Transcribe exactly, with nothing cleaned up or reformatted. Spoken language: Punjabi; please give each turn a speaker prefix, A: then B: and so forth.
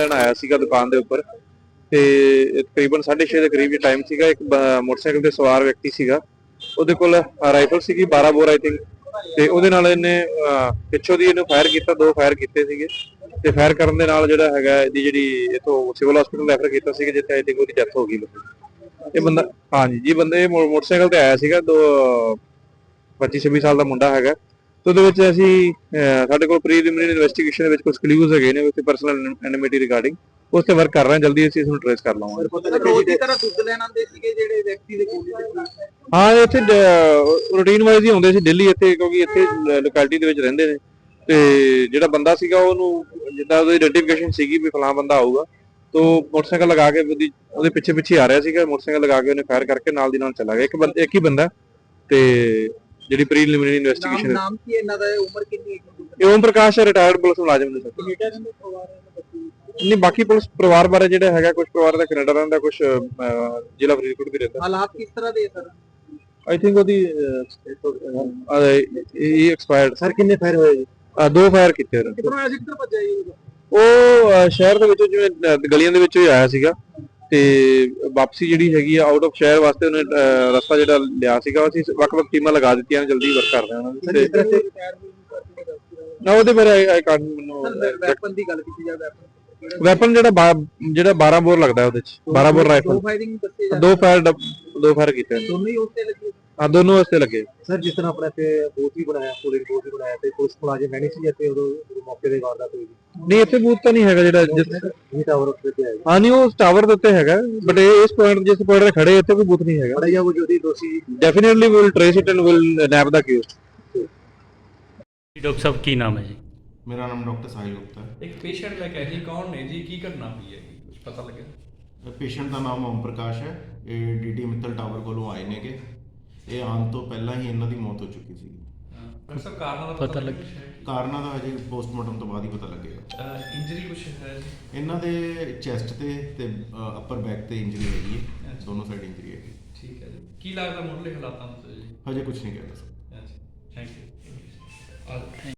A: ਲੈਣ ਆਇਆ ਸੀਗਾ ਦੁਕਾਨ ਦੇ ਉੱਪਰ ਤੇ ਤਕਰੀਬਨ ਸਾਢੇ ਛੇ ਦੇ ਕਰੀਬ ਜੇ ਟਾਈਮ ਸੀਗਾ। ਇੱਕ ਮੋਟਰਸਾਈਕਲ ਤੇ ਸਵਾਰ ਵਿਅਕਤੀ ਸੀਗਾ, ਉਹਦੇ ਕੋਲ ਰਾਈਫਲ ਸੀਗੀ ਬਾਰਾਂ ਬੋਰ ਆਈ ਥਿੰਕ, ਤੇ ਉਹਦੇ ਨਾਲ ਇਹਨੇ ਪਿੱਛੋਂ ਦੀ ਇਹਨੂੰ ਫਾਇਰ ਕੀਤਾ, ਦੋ ਫਾਇਰ ਕੀਤੇ ਸੀਗੇ ਤੇ ਫਾਇਰ ਕਰਨ ਦੇ ਨਾਲ ਜਿਹੜਾ ਹੈਗਾ ਇਹਦੀ ਜਿਹੜੀ ਇਥੋਂ ਸਿਵਲ ਹਸਪੀਟਲ ਰੈਫਰ ਕੀਤਾ ਸੀਗਾ, ਜਿੱਥੇ ਆਈ ਥਿੰਕ ਉਹਦੀ ਡੈਥ ਹੋ ਗਈ। ਇਹ ਬੰਦਾ ਹਾਂਜੀ ਜੀ ਬੰਦੇ ਮੋਟਰਸਾਈਕਲ ਤੇ ਆਇਆ ਸੀਗਾ, ਦੋ ਪੱਚੀ ਛੱਬੀ ਸਾਲ ਦਾ ਮੁੰਡਾ ਹੈਗਾ। ਤੇ ਉਹਦੇ ਵਿੱਚ ਅਸੀਂ ਸਾਡੇ ਕੋਲ ਪ੍ਰੀਲਿਮਿਨਰੀ ਇਨਵੈਸਟੀਗੇਸ਼ਨ ਦੇ ਵਿੱਚ ਕੁਝ ਕਲੂਜ਼ ਹੈਗੇ ਨੇ ਉੱਥੇ ਪਰਸਨਲ ਐਨਿਮਿਟੀ ਰਿਗਾਰਡਿੰਗ, ਉਸ ਤੇ ਵਰਕ ਕਰ ਰਹੇ ਹਾਂ, ਜਲਦੀ ਅਸੀਂ ਇਸ ਨੂੰ ਟ੍ਰੇਸ ਕਰ ਲਵਾਂਗੇ।
B: ਰੋਜ਼ ਦੀ ਤਰ੍ਹਾਂ ਦੁੱਧ ਲੈਣ ਆਉਂਦੇ ਸੀਗੇ ਜਿਹੜੇ ਵਿਅਕਤੀ ਦੇ ਕੋਲ?
A: ਹਾਂ, ਇੱਥੇ ਰੂਟੀਨ ਵਾਈਜ਼ ਹੀ ਆਉਂਦੇ ਸੀ ਡੇਲੀ ਇੱਥੇ, ਕਿਉਂਕਿ ਇੱਥੇ ਲੋਕੈਲਿਟੀ ਦੇ ਵਿੱਚ ਰਹਿੰਦੇ ਨੇ। ਤੇ ਜਿਹੜਾ ਬੰਦਾ ਸੀਗਾ ਉਹਨੂੰ ਜਿੱਦਾਂ ਉਹਦੀ ਆਈਡੈਂਟੀਫਿਕੇਸ਼ਨ ਸੀਗੀ ਵੀ ਫਲਾਂ ਬੰਦਾ ਆਊਗਾ, ਤੋਂ ਮੋਟਰਸਾਈਕਲ ਲਗਾ ਕੇ ਉਹਦੀ ਉਹਦੇ ਪਿੱਛੇ ਪਿੱਛੇ ਆ ਰਿਹਾ ਸੀਗਾ, ਮੋਟਰਸਾਈਕਲ ਲਗਾ ਕੇ ਉਹਨੇ ਫਾਇਰ ਕਰਕੇ ਨਾਲ ਦੀ ਨਾਲ ਚਲਾ ਗਿਆ। ਇੱਕ ਬੰਦਾ ਇੱਕ ਹੀ ਬੰਦਾ ਤੇ ਜਿਹੜੀ ਪ੍ਰੀਲਿਮਿਨਰੀ ਇਨਵੈਸਟੀਗੇਸ਼ਨ।
B: ਨਾਮ ਕੀ ਇਹਨਾਂ ਦਾ, ਉਮਰ ਕਿੰਨੀ ਹੈ?
A: ਇਹ ਓਮ ਪ੍ਰਕਾਸ਼ ਰਿਟਾਇਰਡ ਪੁਲਿਸ ਮੁਲਾਜ਼ਮ ਨੇ ਸਰ। ਨਹੀਂ, ਬਾਕੀ ਪੁਲਿਸ ਪਰਿਵਾਰ ਬਾਰੇ ਜਿਹੜਾ ਹੈਗਾ, ਕੁਝ ਪਰਿਵਾਰ ਦਾ ਕੈਨੇਡਾ ਰਹਿੰਦਾ, ਕੁਝ ਜ਼ਿਲ੍ਹਾ ਫਰੀਦਕੋਟ ਵੀ ਰਹਿੰਦਾ।
B: ਹਾਲਾਤ ਕਿਸ ਤਰ੍ਹਾਂ ਦੇ ਸਰ?
A: ਆਈ ਥਿੰਕ ਉਹਦੀ ਇਹ ਐਕਸਪਾਇਰਡ।
B: ਸਰ ਕਿੰਨੇ ਫਾਇਰ ਹੋਏ ਜੀ?
A: ਦੋ ਫਾਇਰ ਕੀਤੇ ਉਹਨੇ।
B: ਕਿੱਥੋਂ ਆਇਆ ਸੀ, ਕਿੱਧਰ ਭੱਜਿਆ ਜੀ?
A: ਉਹ ਸ਼ਹਿਰ ਦੇ ਵਿੱਚੋਂ ਜਿਵੇਂ ਗਲੀਆਂ ਦੇ ਵਿੱਚੋਂ ਹੀ ਆਇਆ ਸੀਗਾ ਤੇ ਵਾਪਸੀ ਜਿਹੜੀ ਹੈਗੀ ਆ ਆਊਟ ਆਫ ਸ਼ਹਿਰ ਵਾਸਤੇ ਉਹਨੇ ਰਸਤਾ ਜਿਹੜਾ ਲਿਆ ਸੀਗਾ। ਅਸੀਂ ਵੱਖ-ਵੱਖ ਟੀਮਾਂ ਲਗਾ ਦਿੱਤੀਆਂ ਨੇ, ਜਲਦੀ ਵਰਕ ਕਰਦੇ ਹਾਂ ਉਹਨਾਂ ਦੀ। ਨਾ ਉਹਦੇ ਬਾਰੇ ਆਈ ਕਾਂਟ ਮੈਨੂੰ
B: ਵੈਪਨ ਦੀ ਗੱਲ ਕੀਤੀ ਜਾਵੇ।
A: ਵੈਪਨ ਜਿਹੜਾ ਜਿਹੜਾ ਬਾਰਾਂ ਬੋਰ ਲੱਗਦਾ ਉਹਦੇ ਚ, ਬਾਰਾਂ ਬੋਰ ਰਾਈਫਲ।
B: ਦੋ ਫਾਇਰਿੰਗ ਦੱਸੇ ਜਾ
A: ਦੋ ਫਾਇਰ ਦੋ ਫਾਇਰ ਕੀਤੇ ਨੇ।
B: ਦੋਨੋਂ ਹੀ ਉਸ ਤੇ ਲੱਗੇ?
A: ਹਾਂ, ਦੋਨੋਂ ਵਾਸਤੇ ਲੱਗੇ।
B: ਸਰ ਜਿਸ ਤਰ੍ਹਾਂ ਆਪਣੇ ਇੱਥੇ ਬੂਥ ਵੀ ਬਣਾਇਆ, ਪੋਲਿੰਗ ਬੂਥ ਵੀ ਬਣਾਇਆ ਤੇ ਪੁਲਿਸ ਮੁਲਾਜ਼ਮ ਮੈਨੇ ਸੀ ਇੱਥੇ ਉਦੋਂ ਮੌਕੇ ਦੇ ਵਾਰਦਾਤ ਹੋਈ?
A: ਨਹੀਂ, ਇੱਥੇ ਬੂਥ ਤਾਂ ਨਹੀਂ ਹੈਗਾ ਜਿਹੜਾ
B: ਜੀ ਟਾਵਰ ਉੱਤੇ ਤੇ ਹੈ।
A: ਹਾਂ, ਨਹੀਂ ਉਹ ਟਾਵਰ ਦੇ ਉੱਤੇ ਹੈਗਾ, ਬਟ ਇਸ ਪੁਆਇੰਟ ਜਿਸ ਪੁਆਇੰਟ ਤੇ ਖੜੇ ਇੱਥੇ ਕੋਈ ਬੂਥ ਨਹੀਂ ਹੈਗਾ।
B: ਬੜਾ ਜਾਂ ਉਹ ਜੋ ਦੋਸ਼ੀ
A: definitely will trace it and will nab the accused.
C: Doctor ਸਾਹਿਬ ਕੀ ਨਾਮ ਹੈ ਜੀ?
D: ਮੇਰਾ ਨਾਮ ਡਾਕਟਰ ਸਾਹਿਲ ਗੁਪਤਾ ਹੈ।
E: ਇੱਕ ਪੇਸ਼ੈਂਟ ਲੈ ਕੇ ਆਏ ਜੀ, ਕੌਣ ਨੇ ਜੀ, ਕੀ ਘਟਨਾ ਹੋਈ ਹੈ ਜੀ, ਕੁਝ ਪਤਾ ਲੱਗਿਆ?
D: ਪੇਸ਼ੈਂਟ ਦਾ ਨਾਮ ਓਮ ਪ੍ਰਕਾਸ਼ ਹੈ। ਇਹ ਡੀਡੀ ਮਿੱਤਲ ਟਾਵਰ ਕੋਲੋਂ ਆਏ ਨੇਗੇ। ਇਹ ਆਉਣ ਤੋਂ ਪਹਿਲਾਂ ਹੀ ਇਹਨਾਂ ਦੀ ਮੌਤ ਹੋ ਚੁੱਕੀ ਸੀ।
E: ਡਾਕਟਰ ਸਾਹਿਬ ਕਾਰਨਾਂ ਦਾ
C: ਪਤਾ ਲੱਗ
D: ਕਾਰਨਾਂ ਦਾ ਹਜੇ ਪੋਸਟਮਾਰਟਮ ਤੋਂ ਬਾਅਦ ਹੀ ਪਤਾ ਲੱਗੇਗਾ।
E: ਇੰਜਰੀ ਕੁਝ ਹੈ ਜੀ?
D: ਇਹਨਾਂ ਦੇ ਚੈਸਟ ਤੇ ਤੇ ਅੱਪਰ ਬੈਕ ਤੇ ਇੰਜਰੀ ਹੈਗੀ ਹੈ, ਦੋਨੋਂ ਸਾਈਡ ਇੰਜਰੀ ਹੈਗੀ।
E: ਠੀਕ ਹੈ ਜੀ, ਕੀ ਲੱਗਦਾ ਮੁੱਢਲੇ ਹਾਲਾਤਾਂ ਤੋਂ ਜੀ?
D: ਹਜੇ ਕੁਝ ਨਹੀਂ ਕਹਿ ਸਕਦਾ।
E: Thank you.